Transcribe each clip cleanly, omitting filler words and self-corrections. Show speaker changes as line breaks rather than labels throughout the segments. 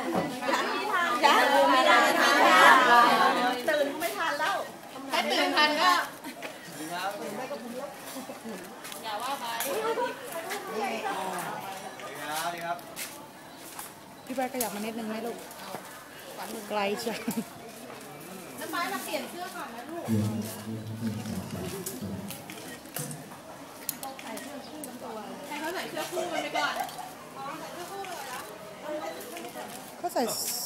ยังไม่ได้ทานตื่นไม่ทันแล้วถ้าตื่นทันก็อย่าว่าไปดีครับ
พี่ใบขยับมานิดนึงไหมลูกไกลจัง
น้ำไม้มาเปลี่ยนเสื้อก่อนนะลูกให้เขาใส่เสื้อคู่กันไปก่อน
ก็ใส่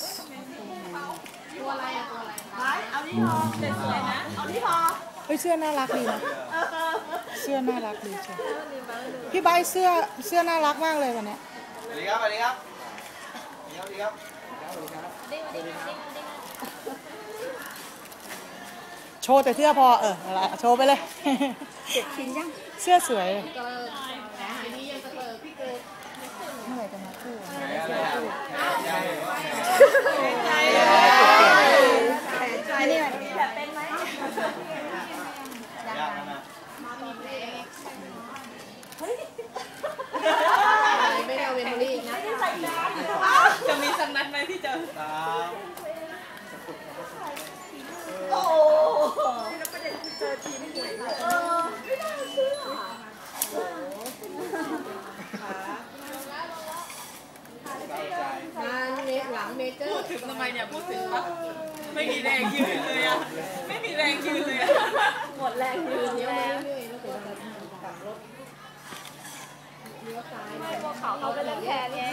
ตัวอะไรอะตัวอะไรเอาที่พอสวยๆนะเอาที่พอ
เฮ้ยเสื้อน่ารักดีนะเสื้อน่ารักดีใช่พี่ใบเสื้อน่ารักมากเลยวันนี้
สวัสดีครับสวัสดีครับสวัสดีครับ
โชว์แต่เสื้อพอโชว์ไปเลยเสื้อสวยเมื่อไหร่จะมาคู่นี่แบบเป็นไหม
ไม่เอาเวมอรี่นะจะมีสักนัดไหมที่เจอโอ้แล้วประเด็นคือเจอทีมหวยไม่น่าเชื่องานเมหลังเมเจอร์พูดถึงทำไมเนี่ยพูดถึงปะไม่มีแรงยืนเลยอะไม่มีแรงยืนเลยอะหมดแรงยืนแล้วเขาเป็นเล่นแทนไง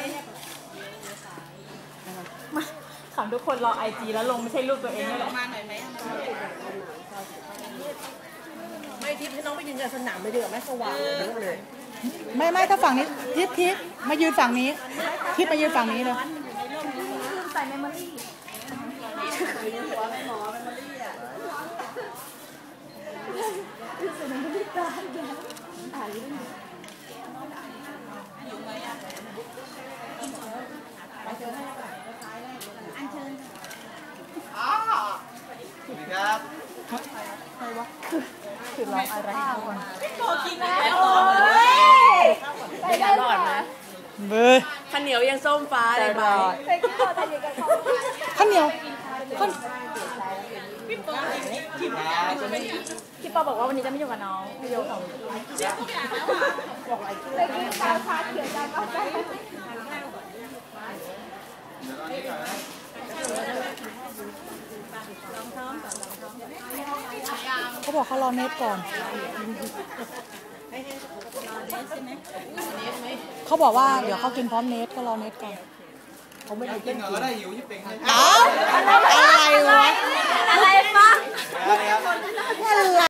ขำทุกคนรอไอจีแล้วลงไม่ใช่รูปตัวเองเลยหรอ
มาหน่อยไหม
ไม่ทิพย์ให้น้องไปยืนกันสนามไปเดือดไม่สว่างเลย
ไม่ถ้าฝั่งนี้ทิพย์มายืนฝั่งนี้ทิพย์มายืนฝั่งนี้เลย
ใส่เมมโมรี่
หัวไม่หมอเมมโมรี่อ่ะ
ใส่เมมโมรี่ตาอ่าน
อยู่ไหมอ่ะไปเจอให้ก่อนอันเชิญ
สวัสดีครับ
ใครวะคือร้องอะไรก่อน
โตกินแล้ว
ได้รอดนะ
เบอร์
ข้าวเหนียวยังส้มฟ้าเลยบอย
ข้าวเหนียว
พี่ปอบอกว่าวันนี้จะไม่อยู่กับน้องพี่โยของบอกอะไรเลยกินข้าวชาเขียวดำกาแฟ
เขาบอกเขารอเน็ตก่อนเขาบอกว่าเดี๋ยวเขากินพร้อมเน็ตก็รอเน็ตก่อน
เขาไม่ได้กินก็ได้หิวยิ่งเป็น
อ้าวอะไร